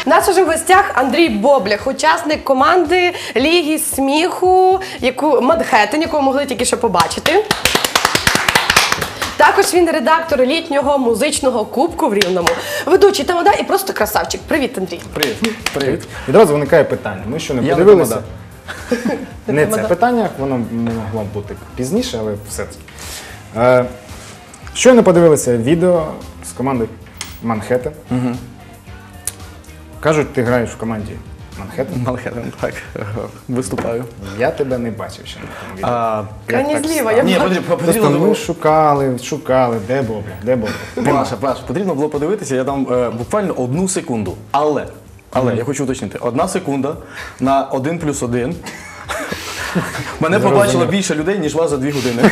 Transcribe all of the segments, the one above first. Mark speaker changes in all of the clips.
Speaker 1: У нас уже в гостях Андрій Боблях, учасник команди Ліги сміху, Манхеттен, яку ви могли тільки що побачити. Також він редактор літнього музичного кубку в Рівному. Ведучий тамада і просто красавчик. Привіт, Андрій.
Speaker 2: Привіт. Відразу виникає питання. Ми що, не подивилися? Не це питання, воно могло бути пізніше, але все-таки. Щойно подивилися відео з команди Манхеттен. Кажуть, ти граєш в команді Манхеттен.
Speaker 3: Манхеттен, так, виступаю.
Speaker 2: Я тебе не бачив ще на тому відео.
Speaker 1: Крайні зліва, я бачу.
Speaker 2: Просто ми шукали, де Боблях.
Speaker 3: Паша, потрібно було подивитися, я там буквально 1 секунду. Але, я хочу уточнити, 1 секунда на 1+1. Мене побачило більше людей, ніж вас за 2 години.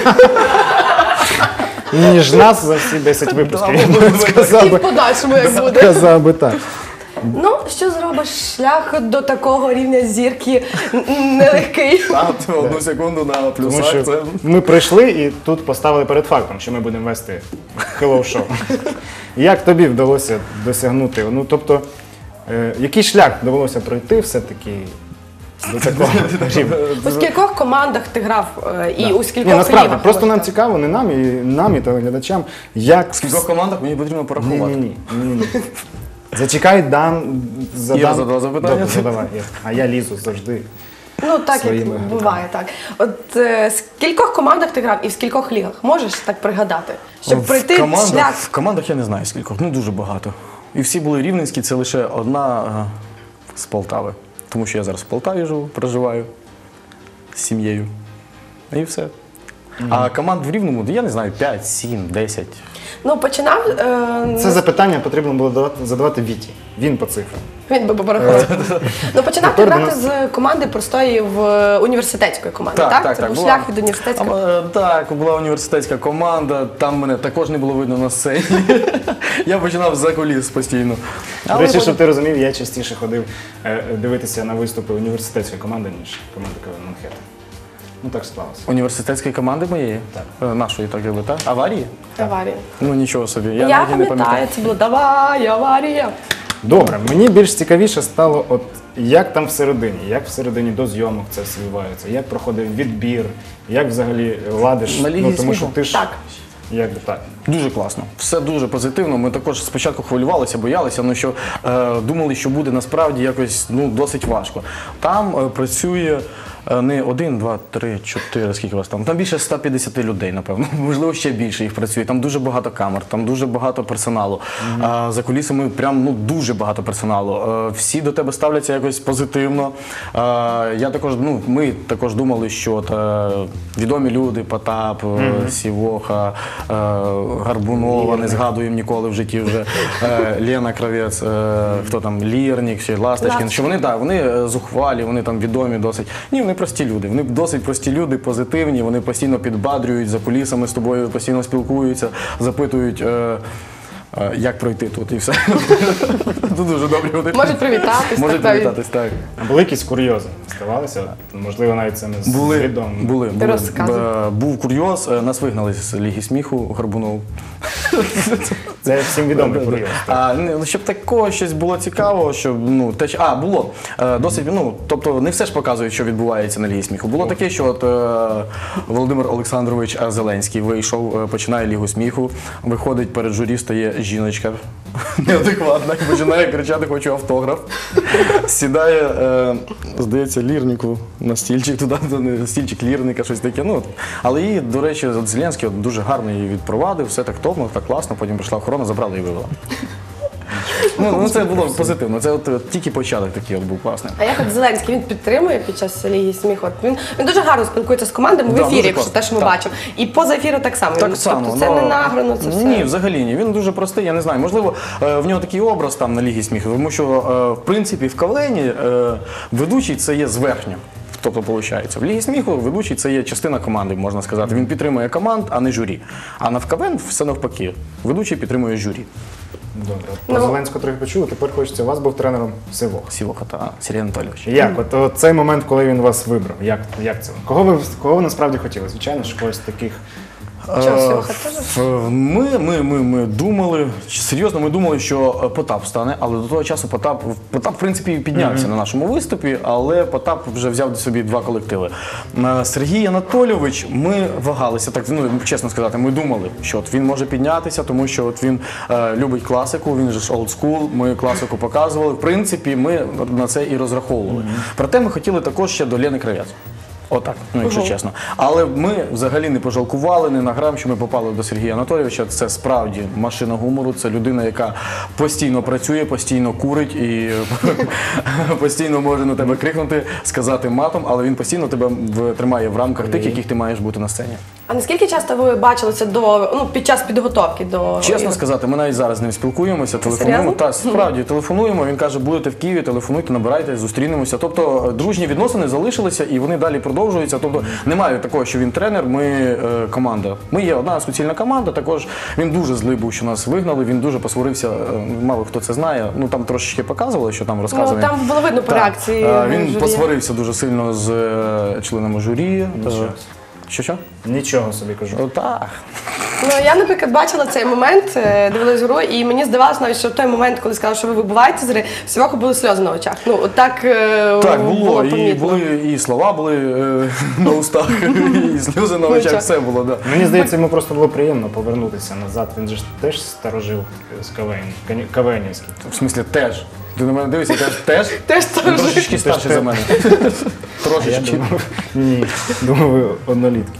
Speaker 2: Ніж нас за всі 10 випусків.
Speaker 1: І в подальшому, як буде.
Speaker 2: Сказав би так.
Speaker 1: Ну, що зробиш? Шлях до такого рівня зірки нелегкий.
Speaker 3: 1 секунду на
Speaker 2: Тому
Speaker 3: плюсах.
Speaker 2: що ми прийшли і тут поставили перед фактом, що ми будемо вести хеллоу-шоу. Як тобі вдалося досягнути? Ну, тобто, який шлях довелося пройти все-таки до такого рівня?
Speaker 1: У скількох командах ти грав і у скількох
Speaker 2: Насправді,
Speaker 1: лігах?
Speaker 2: просто нам цікаво, не нам, і телеглядачам, як...
Speaker 3: В скількох командах мені потрібно порахувати.
Speaker 2: Ні. Зачекай, задам.
Speaker 3: Іра задала запитання.
Speaker 2: Добре, задавай, Ір. А я лізу завжди.
Speaker 1: Ну, так як
Speaker 2: своїми
Speaker 1: буває, так. От в скількох командах ти грав і в скількох лігах? Можеш так пригадати? Щоб пройти шлях.
Speaker 3: В командах я не знаю скількох, ну дуже багато. І всі були рівненські, це лише одна з Полтави. Тому що я зараз в Полтаві живу, проживаю з сім'єю. І все. А команд в Рівному, я не знаю, 5, 7, 10.
Speaker 1: Ну, починав...
Speaker 2: Це запитання потрібно було задавати Віті. Він по цифрам.
Speaker 1: Він би порахував. Ну, починав ти грати з команди простої в університетської команди, так? Це був шлях від університетської?
Speaker 3: Так, була університетська команда, там мене також не було видно на сцені. Я починав за куліс постійно.
Speaker 2: До речі, щоб ти розумів, я частіше ходив дивитися на виступи університетської команди, ніж команди КВН Манхеттен. Ну так склалося.
Speaker 3: Університетської команди моєї?
Speaker 2: Так.
Speaker 3: Нашої, так якби, так? Аварії?
Speaker 1: Аварія.
Speaker 3: Ну нічого собі, я
Speaker 1: Я
Speaker 3: навіть і не пам'ятаю.
Speaker 1: пам'ятаю, це було «Давай, аварія».
Speaker 2: Добре, мені більш цікавіше стало, от як там всередині, як всередині до зйомок це все відбувається, як проходив відбір, як взагалі ладиш,
Speaker 3: На Лігі
Speaker 2: ну тому що
Speaker 3: сміху?
Speaker 2: ти ж,
Speaker 1: Так.
Speaker 2: якби так.
Speaker 3: Дуже класно, все дуже позитивно. Ми також спочатку хвилювалися, боялися, ну що думали, що буде насправді якось досить важко. Там працює не 1, 2, 3, 4, скільки вас там? Там більше 150 людей, напевно. Можливо, ще більше їх працює. Там дуже багато камер, там дуже багато персоналу. За кулісами прям дуже багато персоналу. Всі до тебе ставляться якось позитивно. Ми також думали, що відомі люди, Потап, Сівоха, Гарбунова, не згадуємо ніколи в житті вже, Лена Кравець, хто там, Лірнік, ще Ласточкін, що вони зухвалі, вони там відомі досить. Ні, вони прості люди, вони досить прості люди, позитивні, вони постійно підбадрюють, за кулісами з тобою постійно спілкуються, запитують, як пройти тут і все. Тут дуже добрі вони.
Speaker 1: Можуть привітатись.
Speaker 3: Можуть привітатись, так.
Speaker 2: А були якісь курйози? Ставалися? Можливо, навіть це не свідомо.
Speaker 3: Були.
Speaker 1: Розказуй.
Speaker 3: Був курйоз, нас вигнали з Ліги сміху Горбунов.
Speaker 2: Це всім відомий курйоз.
Speaker 3: Щоб такого щось було цікавого, щоб, було. Досить, тобто не все ж показують, що відбувається на Лігі сміху. Було таке, що от Володимир Олександрович Зеленський вийшов, починає Лігу сміху, виходить перед журі, стає жіночка неадекватна і починає кричати «хочу автограф». Сідає, здається, Лірнику на стільчик, туди, стільчик Лірника, щось таке. Але її, до речі, Зеленський дуже гарно її відпровадив, все так топно, так класно, потім прийшла охорона, забрала і вивела. Це було позитивно, це тільки початок такий був класний.
Speaker 1: А як от Зеленський, він підтримує під час Ліги сміху? Він дуже гарно спілкується з командами в ефірі, якщо те, що ми бачимо. І поза ефіру так само.
Speaker 3: Так само.
Speaker 1: Тобто це не награно, це все?
Speaker 3: Ні, взагалі ні. Він дуже простий, я не знаю. Можливо, в нього такий образ там на Лігі сміху, тому що, в принципі, в КВН ведучий це є зверхньо. Тобто, виходить, в Лігі сміху ведучий це є частина команди, можна сказати. Він підтримує команд, а не журі. А в КВН все навпаки. Ведучий підтримує журі.
Speaker 2: Добре. Про Зеленського трохи почули, тепер хочеться. У вас був тренером Сівоха.
Speaker 3: Сівоха та Сергій Анатолійович.
Speaker 2: Як? От цей момент, коли він вас вибрав, як це? Кого ви насправді хотіли? Звичайно, ж когось таких
Speaker 1: Чого, Сьоха теж?
Speaker 3: Ми думали, серйозно, ми думали, що Потап стане, але до того часу Потап в принципі, піднявся на нашому виступі, але Потап вже взяв собі 2 колективи. Сергій Анатолійович, ми вагалися, так, ну, чесно сказати, ми думали, що от він може піднятися, тому що от він любить класику, він же ж олдскул, ми класику показували. В принципі, ми на це і розраховували. Проте ми хотіли також ще до Лени Кравець. Отак, ну якщо чесно. Але ми взагалі не пожалкували ні на грам, що ми попали до Сергія Анатолійовича. Це справді машина гумору, це людина, яка постійно працює, постійно курить і постійно може на тебе крикнути, сказати матом, але він постійно тебе тримає в рамках тих, яких ти маєш бути на сцені.
Speaker 1: А наскільки часто ви бачилися під час підготовки до
Speaker 3: Чесно сказати, ми навіть зараз з ним спілкуємося, телефонуємо. Та, справді, телефонуємо, він каже, будете в Києві, телефонуйте, набирайте, зустрінемося. Тобто дружні відносини залишилися і вони далі продовжуються. Тобто немає такого, що він тренер, ми команда. Ми є одна суцільна команда, також він дуже злий був, що нас вигнали, він дуже посварився, мало хто це знає, ну там трошечки показували, що там розказували.
Speaker 1: Ну, там було видно по реакції
Speaker 3: Він
Speaker 1: журі.
Speaker 3: посварився дуже сильно з членами журі. Що?
Speaker 2: Нічого собі кажу.
Speaker 3: Так.
Speaker 1: Ну, я, наприклад, бачила цей момент, дивилась гру, і мені здавалося навіть, що в той момент, коли сказали, що ви вибуваєте з гри, всього були сльози на очах. Ну, так
Speaker 3: було. І
Speaker 1: помітно.
Speaker 3: були і слова були на устах, і сльози на очах, все було, да.
Speaker 2: Мені здається, йому просто було приємно повернутися назад. Він же ж теж старожив з КВНівський.
Speaker 3: В смислі, теж. Ти на мене дивишся, теж?
Speaker 1: Теж
Speaker 3: Він трошечки старший за мене. Трошечки.
Speaker 2: Ні, думаю, ви однолітки.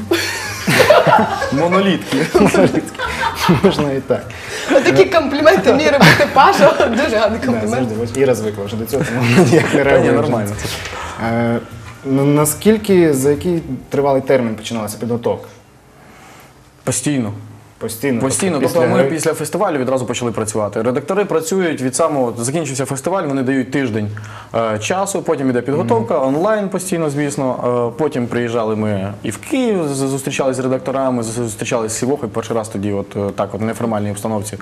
Speaker 3: Монолітки.
Speaker 2: Можна і так.
Speaker 1: Такі компліменти мені робити Паша, дуже гарний
Speaker 2: Да,
Speaker 1: комплімент.
Speaker 2: завжди, ось Іра звикла вже до цього, тому ніяк не
Speaker 3: Та ні,
Speaker 2: реагує.
Speaker 3: нормально.
Speaker 2: Наскільки, за який тривалий термін починалася підготовка?
Speaker 3: Постійно.
Speaker 2: Постійно?
Speaker 3: Постійно.
Speaker 2: Тобто
Speaker 3: Тобто ми
Speaker 2: гри?
Speaker 3: після фестивалю відразу почали працювати. Редактори працюють від самого, закінчився фестиваль, вони дають тиждень часу, потім іде підготовка, онлайн постійно, звісно. Потім приїжджали ми і в Київ, зустрічалися з редакторами, зустрічалися з Сівохою перший раз тоді, от так, от в неформальній обстановці.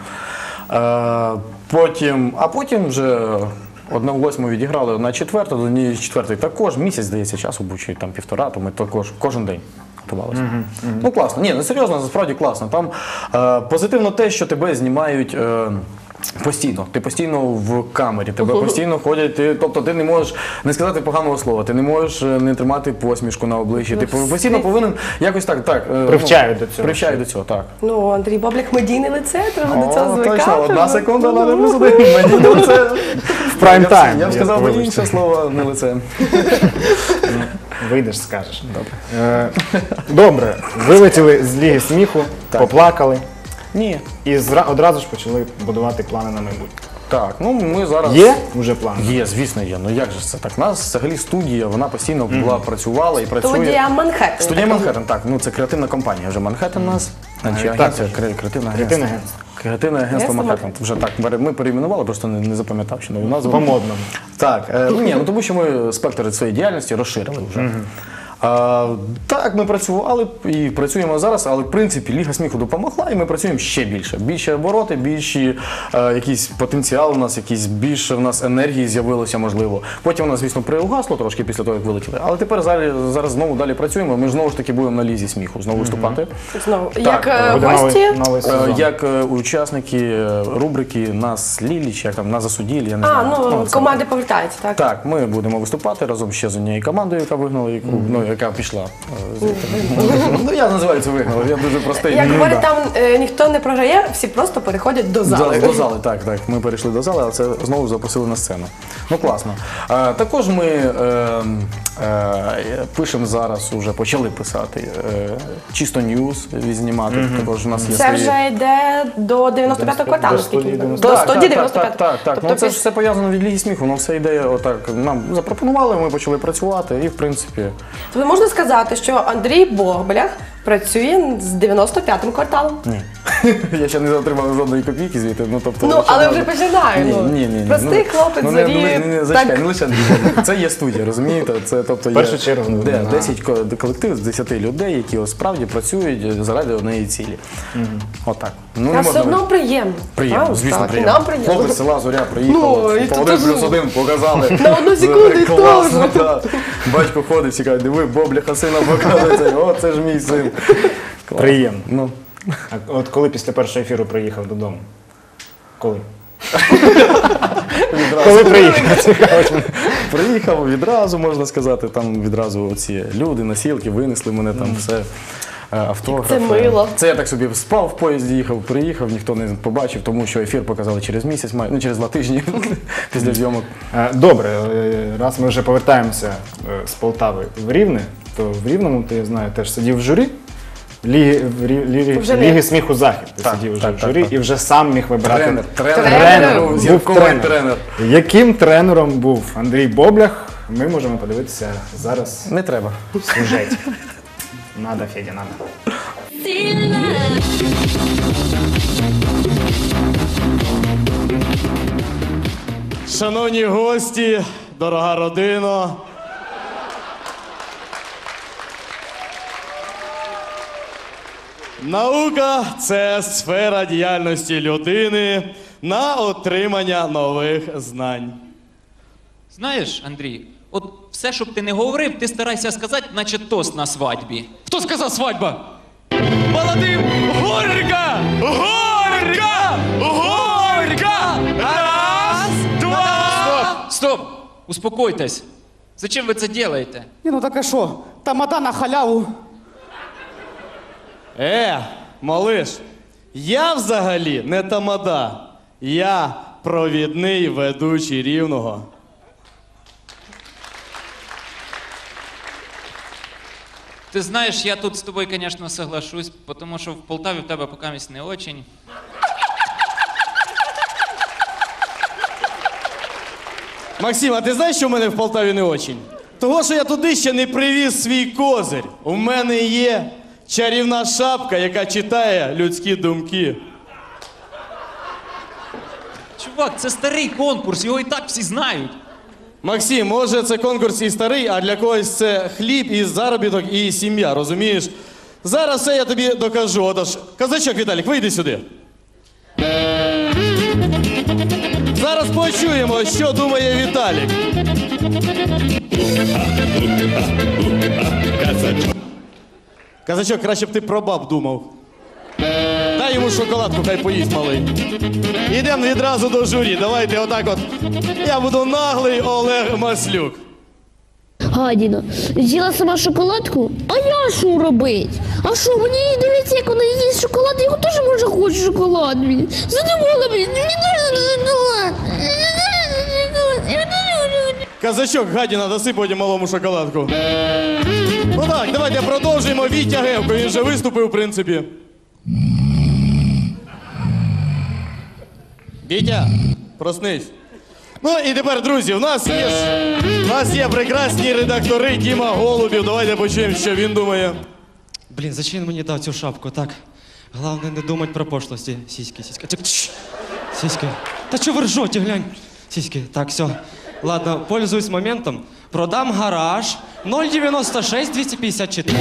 Speaker 3: Потім вже 1/8 відіграли, 1/4, до 1/4 також, місяць, здається, часу був, чи там 1,5, то ми також кожен день готувалися. Ну класно, ні, ну серйозно, насправді класно. Там позитивно те, що тебе знімають постійно. Ти постійно в камері, тебе постійно ходять, тобто ти не можеш не сказати поганого слова, ти не можеш не тримати посмішку на обличчі, ти постійно повинен якось так.
Speaker 2: Привчають до цього.
Speaker 3: Привчають до цього, так.
Speaker 1: Ну, Андрій Боблях, медійне лице, треба до цього звикати.
Speaker 3: Точно, 1 секунда, надо плюс 1, медійне лице.
Speaker 2: В прайм-тайм.
Speaker 3: Я б сказав би інше слово, не лице.
Speaker 2: Вийдеш, скажеш. Добре. Добре, вилетіли з Ліги сміху, поплакали
Speaker 3: Ні.
Speaker 2: і одразу ж почали будувати плани на майбутнє.
Speaker 3: Так, ну ми зараз...
Speaker 2: Є вже плани?
Speaker 3: Є, звісно, є. Ну як же ж це так? У нас взагалі студія, вона постійно була, працювала і працює.
Speaker 1: Студія Манхеттен.
Speaker 3: Студія Манхеттен, так. Ну це креативна компанія вже Манхеттен у нас. Чи агенція, креативне агентство. Креативне агентство Манхеттен. Вже так, ми перейменували, просто не запам'ятав, що нову назву.
Speaker 2: По-модному.
Speaker 3: Так, ну тому що ми спектр своєї діяльності розширили вже. Так, ми працювали і працюємо зараз, але в принципі Ліга сміху допомогла і ми працюємо ще більше. Більше обороти, більші якийсь потенціал у нас, більше в нас енергії з'явилося, можливо. Потім у нас, звісно, приугасло трошки після того, як вилетіли. Але тепер зараз знову далі працюємо. Ми знову ж таки будемо на Лізі сміху знову виступати.
Speaker 1: Знову.
Speaker 3: Так,
Speaker 1: Як
Speaker 2: буде
Speaker 1: гості?
Speaker 2: новий сезон.
Speaker 3: Як учасники рубрики «Нас Лілі», чи як там «Нас засудили», я не знаю.
Speaker 1: Ну,
Speaker 3: це
Speaker 1: команди повертаються, так?
Speaker 3: так, ми будемо виступати разом ще з однією командою, яка вигнала, яка пішла. Ну, я називаю це вигнала, я дуже простий.
Speaker 1: Як говорять, там ніхто не програє, всі просто переходять до зали.
Speaker 3: До зали, так. Ми перейшли до зали, а це знову запросили на сцену. Ну, класно. Також ми пишемо зараз, вже почали писати, чисто ньюз знімати. Також у нас є
Speaker 1: Це
Speaker 3: свої...
Speaker 1: вже йде до 95-го кварталу,
Speaker 2: до
Speaker 1: скільки?
Speaker 2: 195-го.
Speaker 1: До 195-го.
Speaker 3: Так. Ну це ж все пов'язано від Ліги сміху, воно все йде отак. Нам запропонували, ми почали працювати і, в принципі...
Speaker 1: Тобто можна сказати, що Андрій Боблях працює з 95-м кварталом?
Speaker 3: Ні. Я ще не отримав жодної копійки звідти.
Speaker 1: Ну, але вже починаю.
Speaker 3: Ні.
Speaker 1: Простий хлопець, зорі.
Speaker 3: Зачекай, не лише це є студія, розумієте? Це, тобто,
Speaker 2: В першу чергу,
Speaker 3: 10 колективів з 10 людей, які справді працюють заради однієї цілі. Отак. Ну,
Speaker 1: А все одно приємно.
Speaker 3: Приємно,
Speaker 1: Правда?
Speaker 3: звісно,
Speaker 1: Так, і
Speaker 3: приємно.
Speaker 1: нам приємно.
Speaker 3: Хлопець з села Зоря приїхав,
Speaker 1: і
Speaker 3: по
Speaker 1: тут
Speaker 3: 1+1 показали.
Speaker 1: На одну секунду і
Speaker 3: Класно, так. Батько ходить, всі кажуть, диви, Бобліха сина показується, о, це ж мій син.
Speaker 2: Приємно.
Speaker 3: Ну.
Speaker 2: А от коли після першого ефіру приїхав додому? Коли? Коли приїхав? Цікаво.
Speaker 3: Приїхав відразу, можна сказати, там відразу оці люди, носілки, винесли мене там все. Автографи.
Speaker 1: Це мило.
Speaker 3: Це я так собі спав в поїзді, їхав, приїхав, ніхто не побачив, тому що ефір показали через місяць, ну через 2 тижні після зйомок.
Speaker 2: Добре, раз ми вже повертаємося з Полтави в Рівне, то в Рівному, ти, я знаю, теж сидів в журі. Ліги сміху Захід. Ти сидів вже в журі і вже сам міг вибирати.
Speaker 1: Тренер.
Speaker 2: Був тренер. Яким тренером був Андрій Боблях, ми можемо подивитися зараз
Speaker 3: Не треба.
Speaker 2: в сюжеті. Надо, Федя, надо.
Speaker 4: Шановні гості, дорога родина. Наука – це сфера діяльності людини на отримання нових знань.
Speaker 5: Знаєш, Андрій, от все, щоб ти не говорив, ти старайся сказати, наче тост на свадьбі.
Speaker 4: Хто сказав свадьба? Молодим! Горька! Горька! Горька! Раз, два!
Speaker 5: Стоп! Успокойтесь. Зачем ви це робите?
Speaker 6: Ні, ну так а що? Тамада на халяву.
Speaker 4: Малиш, я взагалі не тамада. Я провідний ведучий Рівного.
Speaker 5: Ти знаєш, я тут з тобою, звісно, соглашусь, тому що в Полтаві в тебе покамість не очень.
Speaker 4: Максим, а ти знаєш, що в мене в Полтаві не очень? Того, що я туди ще не привіз свій козир. У мене є чарівна шапка, яка читає людські думки.
Speaker 5: Чувак, це старий конкурс, його і так всі знають.
Speaker 4: Максим, може це конкурс і старий, а для когось це хліб, і заробіток, і сім'я, розумієш? Зараз все я тобі докажу. Отож, казачок Віталік, вийди сюди. Зараз почуємо, що думає Віталік. Казачок, краще б ти про баб думав. Дай йому шоколадку, хай поїсть малий. Ідемо відразу до журі. Давайте отак от. Я буду наглий Олег Маслюк.
Speaker 7: Гадіна, з'їла сама шоколадку? А я що робить? А що, мені дивиться, як вона їсть шоколад, я теж може хочу шоколад. Задумала, мені дуже шоколад.
Speaker 4: Казачок, гадіна, даси потім малому шоколадку. Ну так, давайте продовжуємо. Вітя Гевко, він вже виступив, в принципі. Вітя, проснись. Ну і тепер, друзі, у нас є прекрасні редактори Діма Голубів. Давайте почуємо, що він думає.
Speaker 8: Блін, зачем він мені дав цю шапку, так? Головне не думати про пошлості. Сіськи, сіськи. Сіськи. Та чого ви ржете, глянь? Сіськи. Так, все. Ладно, пользуюсь моментом. Продам гараж 096 254.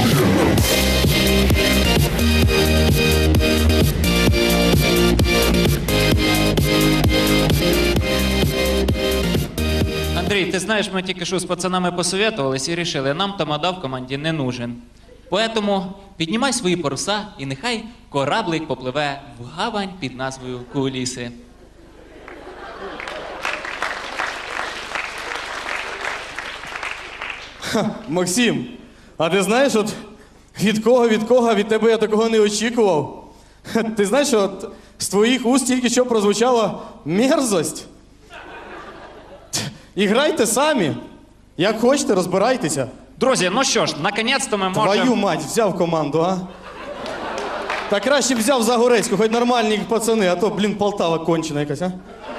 Speaker 5: Андрій, ти знаєш, ми тільки що з пацанами посоветувались і вирішили, нам тамада в команді не нужен. Поэтому піднімай свої паруса і нехай кораблик попливе в гавань під назвою Куліси.
Speaker 4: Максим, а ти знаєш, от від кого, від тебе я такого не очікував. Ти знаєш, от з твоїх уст тільки що прозвучала мерзость. І грайте самі. Як хочете, розбирайтеся.
Speaker 5: Друзі, ну що ж, наконець-то ми можемо...
Speaker 4: Твою мать, взяв команду, а? Та краще б взяв Загорецьку, хоч нормальні пацани, а то, блін, Полтава кончена якась, а?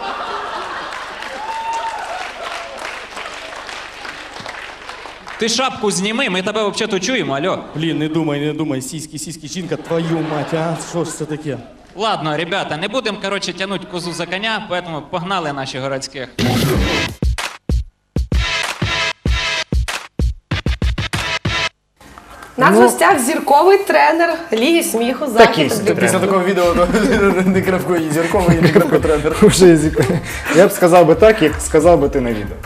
Speaker 5: Ти шапку зніми, ми тебе взагалі чуємо, алло.
Speaker 4: Блін, не думай, сіськи, жінка, твою мать, а? Що ж це таке?
Speaker 5: Ладно, ребята, не будемо, короче, тянуть козу за коня, поэтому погнали наших городських.
Speaker 1: У нас в гостях зірковий тренер Ліги сміху
Speaker 2: Такий
Speaker 1: Захід.
Speaker 2: собі
Speaker 3: Після такого відео не крапко і зірковий, і не крапко тренер.
Speaker 2: Уже я б сказав би так, як сказав би ти на відео.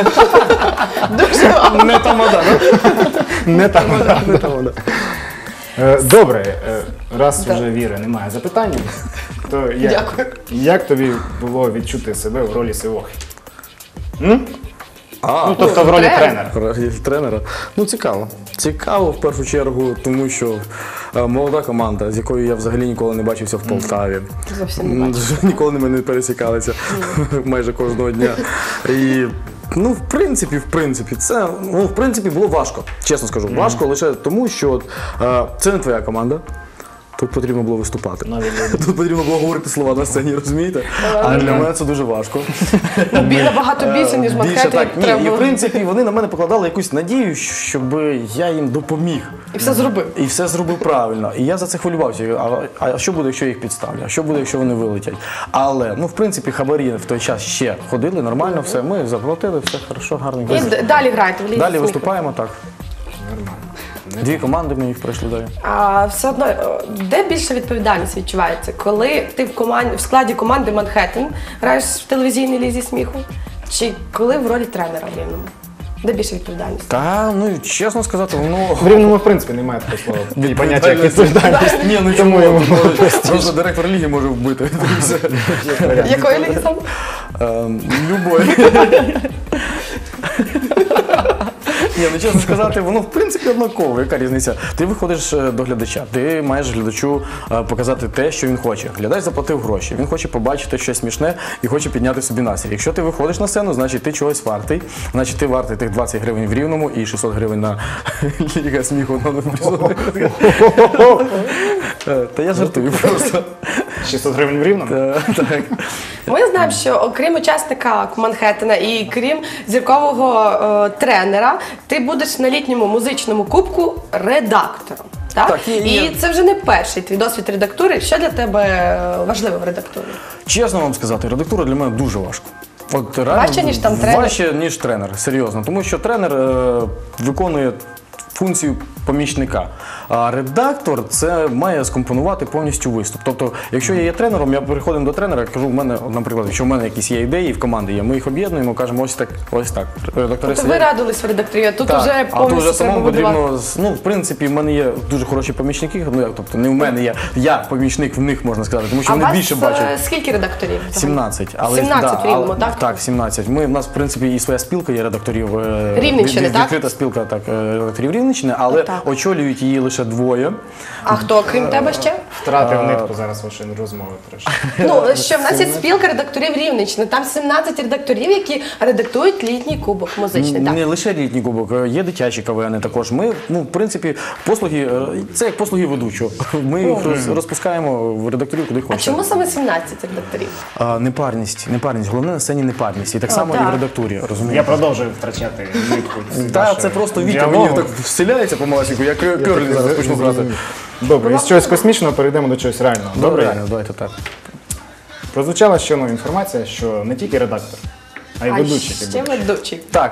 Speaker 1: Дуже
Speaker 3: Не тамада,
Speaker 2: Не тамада. Добре, раз вже Віри немає запитань, то
Speaker 1: Дякую.
Speaker 2: як тобі було відчути себе в ролі Сивохи? Ну, тобто в ролі
Speaker 1: тренер.
Speaker 2: тренера.
Speaker 3: Тренера. Ну, цікаво. Цікаво в першу чергу, тому що молода команда, з якою я взагалі ніколи не бачився в Полтаві.
Speaker 1: Зовсім не бачу.
Speaker 3: Ніколи ми не пересікалися майже кожного дня. І ну, в принципі, це було важко, чесно скажу. Важко лише тому, що це не твоя команда. Тут потрібно було виступати. Тут потрібно було говорити слова на сцені, розумієте? А для мене це дуже важко.
Speaker 1: Набагато більше, ніж
Speaker 3: Більше
Speaker 1: Манхеттен.
Speaker 3: так. Ні,
Speaker 1: треба
Speaker 3: і в
Speaker 1: було.
Speaker 3: принципі вони на мене покладали якусь надію, щоб я їм допоміг.
Speaker 1: І все зробив.
Speaker 3: І все зробив правильно. І я за це хвилювався. А що буде, якщо я їх підставлю? А що буде, якщо вони вилетять? Але, ну, в принципі, хабарі в той час ще ходили, нормально все. Ми заплатили, все хорошо, гарно.
Speaker 1: І далі граєте в лізі
Speaker 3: Далі
Speaker 1: сміху.
Speaker 3: виступаємо, так. Дві команди ми їх пройшли далі.
Speaker 1: А все одно, де більше відповідальність відчувається? Коли ти в складі команди Манхеттен граєш в телевізійній лізі сміху? Чи коли в ролі тренера в Рівному? Де більше відповідальність?
Speaker 3: Та, ну, чесно сказати, воно...
Speaker 2: В Рівному, в принципі, немає такого слова. І поняття як відповідальність.
Speaker 3: Ні, ну чому йому просто директор ліги може вбити.
Speaker 1: Якої ліги саме?
Speaker 3: Любої. Ні, ну чесно сказати, воно в принципі однаково. Яка різниця? Ти виходиш до глядача, ти маєш глядачу показати те, що він хоче. Глядач заплатив гроші, він хоче побачити щось смішне і хоче підняти собі настрій. Якщо ти виходиш на сцену, значить ти чогось вартий, значить ти вартий тих 20 гривень в Рівному і 600 гривень на Ліга сміху. Та я жартую просто.
Speaker 2: 600 гривень в Рівному?
Speaker 3: Так.
Speaker 1: Ми знаємо, що окрім учасника Манхеттена і крім зіркового тренера, ти будеш на літньому музичному кубку редактором. Так?
Speaker 3: Так,
Speaker 1: І це вже не перший твій досвід редактури. Що для тебе важливо в редактурі?
Speaker 3: Чесно вам сказати, редактура для мене дуже важко. От реально
Speaker 1: Важче, ніж там тренер?
Speaker 3: Важче, ніж тренер, серйозно. Тому що тренер виконує функцію помічника. А редактор це має скомпонувати повністю виступ. Тобто, якщо я є тренером, я приходимо до тренера, кажу, в мене, наприклад, якщо в мене якісь є ідеї в команді є, ми їх об'єднуємо, кажемо, ось так, ось так. Редактори
Speaker 1: Тобто ви радились в редакторі, а тут
Speaker 3: так,
Speaker 1: вже
Speaker 3: а тут
Speaker 1: повністю
Speaker 3: вже
Speaker 1: треба
Speaker 3: самому
Speaker 1: будувати.
Speaker 3: потрібно, ну, в принципі, в мене є дуже хороші помічники, ну, як, тобто, не в мене є, я помічник в них, можна сказати, тому що
Speaker 1: А
Speaker 3: вони
Speaker 1: вас
Speaker 3: більше бачать.
Speaker 1: скільки редакторів?
Speaker 3: 17.
Speaker 1: 17 в Рівному, так?
Speaker 3: Так, 17. У нас, в принципі, і своя спілка є редакторів.
Speaker 1: Рівненщини, так?
Speaker 3: Відкрита спілка редакторів Рівненщини, але
Speaker 1: Так.
Speaker 3: очолюють її лише двоє.
Speaker 1: А хто, крім тебе ще?
Speaker 2: Втратив нитку зараз вашої розмови трошки.
Speaker 1: Ну, що в нас є спілка редакторів Рівненщини. Там 17 редакторів, які редактують літній кубок музичний. Так.
Speaker 3: Не лише літній кубок, є дитячі КВН також. Ми, ну, в принципі, послуги, це як послуги ведучого. Ми їх розпускаємо в редакторів, куди
Speaker 1: А
Speaker 3: хочемо.
Speaker 1: чому саме 17 редакторів?
Speaker 3: Непарність. Головне на сцені непарність. І так само і
Speaker 1: так.
Speaker 3: в редактурі, розумієте?
Speaker 2: Я продовжую втрачати нитку.
Speaker 3: Так, це просто Вітя
Speaker 2: діалогу.
Speaker 3: мені так вселяється помалесеньку, я керлінг зараз почну грати.
Speaker 2: Добре, із чогось космічного перейдемо до чогось реального.
Speaker 3: Добре, давайте так.
Speaker 2: Прозвучала ще одна інформація, що не тільки редактор, а й ведучий. ти
Speaker 1: ще
Speaker 2: будеш.
Speaker 1: ведучий.
Speaker 3: Так,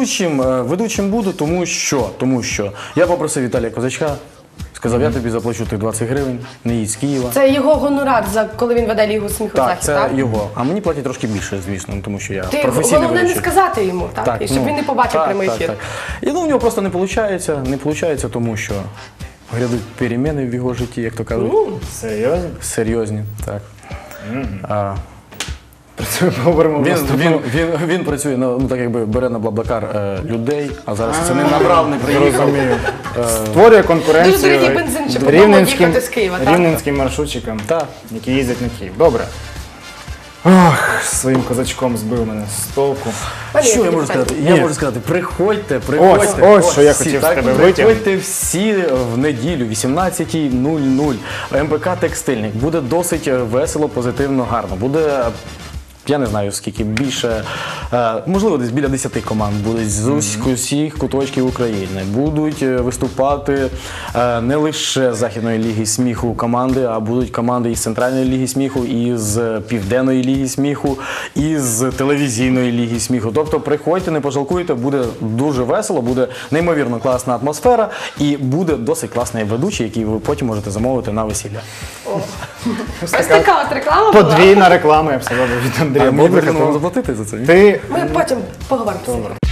Speaker 3: ведучим буду, тому що я попросив Віталія Козачка, сказав, я тобі заплачу тих 20 гривень, не їдь з Києва.
Speaker 1: Це його гонорар, коли він веде Лігу сміху
Speaker 3: Так,
Speaker 1: захід,
Speaker 3: це
Speaker 1: так?
Speaker 3: його. А мені платять трошки більше, звісно, тому що я
Speaker 1: Ти
Speaker 3: професійний
Speaker 1: головне не
Speaker 3: ведучий.
Speaker 1: сказати йому, так? І щоб
Speaker 3: ну,
Speaker 1: він не побачив
Speaker 3: так,
Speaker 1: прямий
Speaker 3: так,
Speaker 1: ефір.
Speaker 3: так. І ну, в нього просто не виходить, тому що грядуть переміни в його житті, як то кажуть.
Speaker 2: Серйозно?
Speaker 3: Серйозні, так.
Speaker 2: Про це ми поговоримо в наступному.
Speaker 3: Він працює, ну так якби бере на Блаблакар людей, а зараз це не набрав, не приїхав.
Speaker 2: Розумію. Створює конкуренцію
Speaker 1: Дуже дорогий бензин, щоб додому їхати з Києва, так?
Speaker 2: рівненським маршрутчикам,
Speaker 3: Так.
Speaker 2: які їздять на Київ. Добре. Ох, своїм козачком збив мене з толку.
Speaker 3: Що я можу сказати?
Speaker 2: Ні.
Speaker 3: Я можу сказати, приходьте.
Speaker 2: Ось, що я
Speaker 3: всі,
Speaker 2: хотів з
Speaker 3: так,
Speaker 2: тебе витягнути.
Speaker 3: Приходьте всі в неділю, 18:00. МПК «Текстильник». Буде досить весело, позитивно, гарно. Буде, я не знаю скільки, більше, можливо, десь біля 10 команд будуть з усіх куточків України. Будуть виступати не лише з Західної ліги сміху команди, а будуть команди із Центральної ліги сміху, із Південної ліги сміху, із Телевізійної ліги сміху. Тобто приходьте, не пожалкуйте, буде дуже весело, буде неймовірно класна атмосфера і буде досить класний ведучий, який ви потім можете замовити на весілля.
Speaker 1: Ось така от реклама була.
Speaker 2: Подвійна реклама, я б сказав, від Андрія
Speaker 3: А мені
Speaker 2: Бобрика.
Speaker 3: потрібно вам заплатити за це? ні?
Speaker 2: Ти
Speaker 1: Ми потім поговоримо.